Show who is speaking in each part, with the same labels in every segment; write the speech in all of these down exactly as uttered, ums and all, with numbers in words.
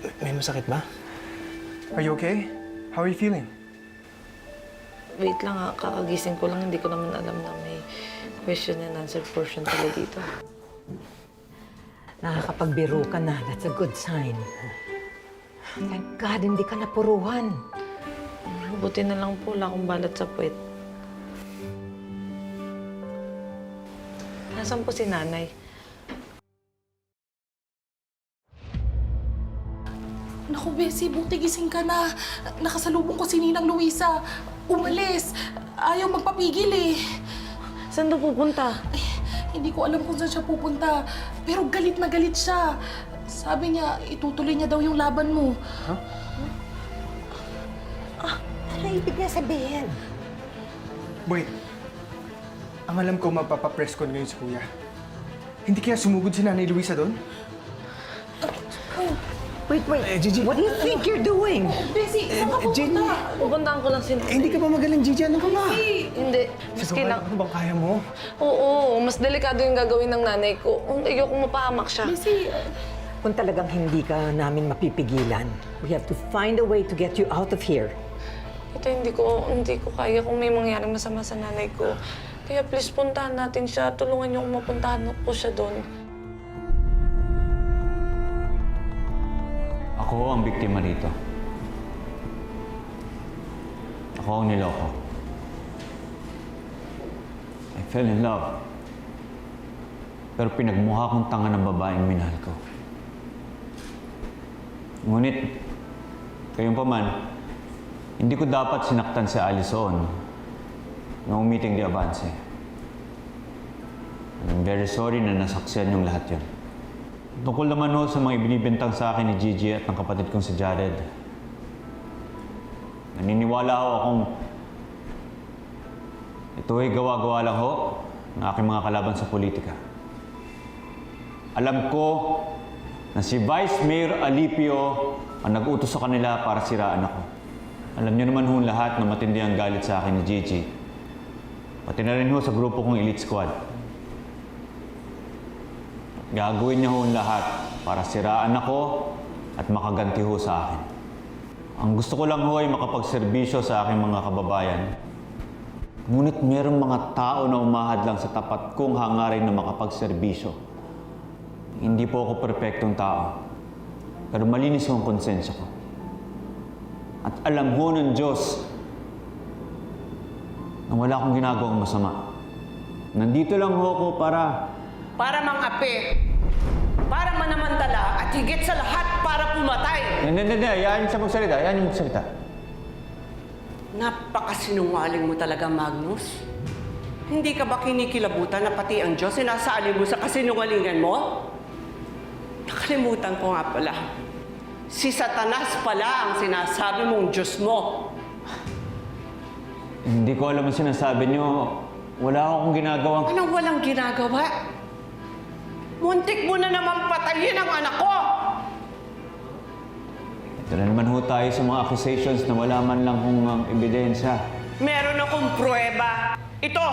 Speaker 1: May masakit ba?
Speaker 2: Are you okay? How are you feeling?
Speaker 3: Wait lang ha, kakagising ko lang. Hindi ko naman alam na may question and answer portion pala dito.
Speaker 4: Nakakapagbiro ka na. That's a good sign. Thank God, hindi ka napuruhan.
Speaker 3: Buti na lang po, wala akong balat sa puwet. Nasaan po si nanay?
Speaker 5: Naku, Bessie, buti gising ka na. Nakasalubong ko si Ninang Luisa. Umalis. Ayaw magpapigil eh.
Speaker 3: Saan daw pupunta?
Speaker 5: Ay, hindi ko alam kung saan siya pupunta. Pero galit na galit siya. Sabi niya, itutuloy niya daw yung laban mo.
Speaker 2: Huh?
Speaker 4: Ah, ano ibig niya sabihin?
Speaker 2: Wait. Ang alam ko, magpapapress con ngayon si Kuya. Hindi kaya sumugod si Nanay Luisa doon?
Speaker 4: Wait, wait.
Speaker 1: Eh, Gigi.
Speaker 4: What do you think you're doing?
Speaker 5: Bessie, saan ka
Speaker 1: Jenny.
Speaker 5: pupunta?
Speaker 3: Pupuntahan ko lang si nanay.
Speaker 1: Eh, hindi ka ba magaling, Gigi? Ano ka ba?
Speaker 3: Hindi. Mas
Speaker 1: Ito,
Speaker 3: kailang...
Speaker 1: ano bang kaya mo?
Speaker 3: Oo, mas delikado yung gagawin ng nanay ko. Ayokong mapahamak siya.
Speaker 5: Bessie,
Speaker 4: Kung talagang hindi ka namin mapipigilan, we have to find a way to get you out of here.
Speaker 3: Ito, hindi ko, hindi ko kaya kung may mangyaring masama sa nanay ko. Kaya please, puntahan natin siya. Tulungan niyo kung mapuntahan ko siya doon.
Speaker 6: Ako ang biktima rito. Ako ang niloko. I fell in love. Pero pinagmukha kong tanga ng babaeng minahal ko. Ngunit, kayong paman, hindi ko dapat sinaktan si Alison nung meeting di Avance. I'm very sorry na nasaksiyan yung lahat yun. Tungkol naman ho sa mga ibinibintang sa akin ni Gigi at ng kapatid kong si Jared. Naniniwala ho akong ito ay gawa-gawa lang ho ng aking mga kalaban sa politika. Alam ko na si Vice Mayor Alipio ang nag-utos sa kanila para siraan ako. Alam niyo naman ho lahat na matindi ang galit sa akin ni Gigi. Pati na rin ho sa grupo kong Elite Squad. Gagawin niya ho lahat para siraan ako at makaganti ho sa akin. Ang gusto ko lang ho ay makapagserbisyo sa aking mga kababayan. Ngunit mayroong mga tao na umahad lang sa tapat kong hangarin na makapagserbisyo. Hindi po ako perpektong tao, pero malinis ho ang konsensya ko. At alam ho ng Diyos na wala akong ginagawang masama. Nandito lang ho ako para...
Speaker 7: Para mangapi, para manamantala, at higit sa lahat para pumatay.
Speaker 6: Hindi, hindi, hindi. Hayaan niyo siya magsalita. Hayaan niyo magsalita.
Speaker 7: Napakasinungaling mo talaga, Magnus. Hindi ka ba kinikilabutan na pati ang Diyos sinasali mo sa kasinungalingan mo? Nakalimutan ko nga pala. Si Satanas pala ang sinasabi mong Diyos mo.
Speaker 6: Hindi ko alam ang sinasabi niyo. Wala akong ginagawang...
Speaker 7: Anong walang ginagawa? Muntik mo na naman patayin ang anak ko!
Speaker 6: Ito na naman ho tayo sa mga accusations na wala man lang kung ang ebidensya.
Speaker 7: Meron akong pruweba. Ito!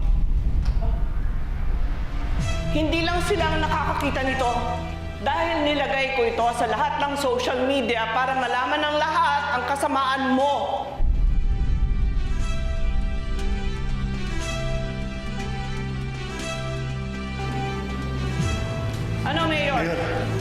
Speaker 7: Hindi lang sila ang nakakakita nito. Dahil nilagay ko ito sa lahat ng social media para malaman ng lahat ang kasamaan mo. Ano, Mayor?
Speaker 8: Mayor,